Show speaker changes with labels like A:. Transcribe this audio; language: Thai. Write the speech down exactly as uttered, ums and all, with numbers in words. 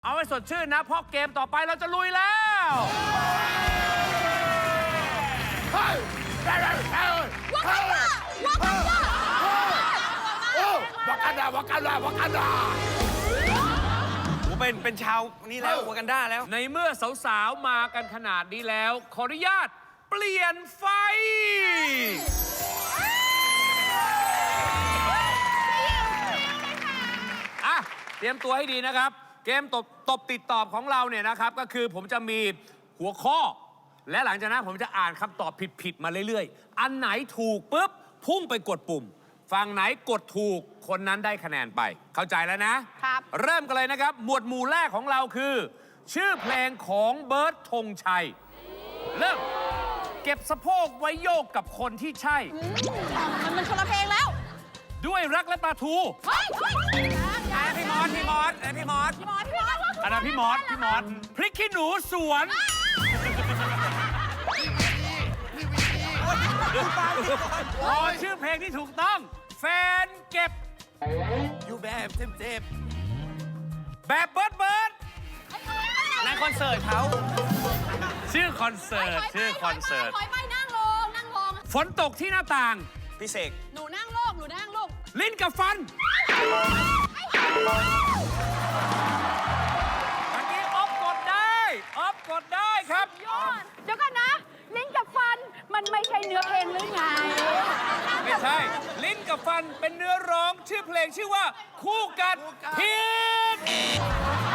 A: เอาให้สดชื่นนะเพราะเกมต่อไปเราจะลุยแล้ว
B: วากันดาวากันดาวากันดา
C: ผมเป็นเป็นชาวนี่แล้ววากันดาแล้ว
A: ในเมื่อสาวๆมากันขนาดนี้แล้ว ขออนุญาตเปลี่ยนไฟอ่ะเตรียมตัวให้ดีนะครับ เกมตบตบติดตอบของเราเนี่ยนะครับก็คือผมจะมีหัวข้อ และหลังจากนั้นผมจะอ่านคำตอบผิดๆมาเรื่อยๆอันไหนถูกปุ๊บพุ่งไปกดปุ่มฝั่งไหนกดถูกคนนั้นได้คะแนนไป เข้าใจแล้วนะครับ เริ่มกันเลยนะครับ หมวดหมู่แรกของเราคือ ชื่อเพลงของเบิร์ดธงชัย เริ่มเก็บสะโพกไว้โยกกับคนที่ใช่
D: มันมันคนละเพลงแล้ว
A: ด้วยรักและปลาทู
D: เฮ้ยเฮ้ย
C: อ่ะพี่มอสพี่มอสอ่ะพี่มอส
D: พี่มอสพี่มอส
A: อันนั้นพี่มอสพี่มอสพริกขี้หนูสวนพอชื่อเพลงที่ถูกต้อง แฟนเก็บ
C: อยู่แบบเจ็บ
A: แบบเบิร์ดเบิร์ด
C: ๆในคอนเสิร์ตเขา
A: ชื่อคอนเสิร์ตชื่อคอนเสิร์ต
D: ถอยไปนั่งลงนั่งลง
A: ฝนตกที่หน้าต่าง
C: พี่เสก
D: หนูนั่งลงหนูนั่งลง
A: ลิ้นกับฟันเมื่อกี้ออฟกดได้ออฟกดได้ครับ
D: ยอดเดี๋ยวก่อนนะ ลิ้นกับฟันมันไม่ใช่เนื้อเพลงหรือไง
A: ไม่ใช่ ลิ้นกับฟันเป็นเนื้อร้องชื่อเพลงชื่อว่า คู่กัดผิด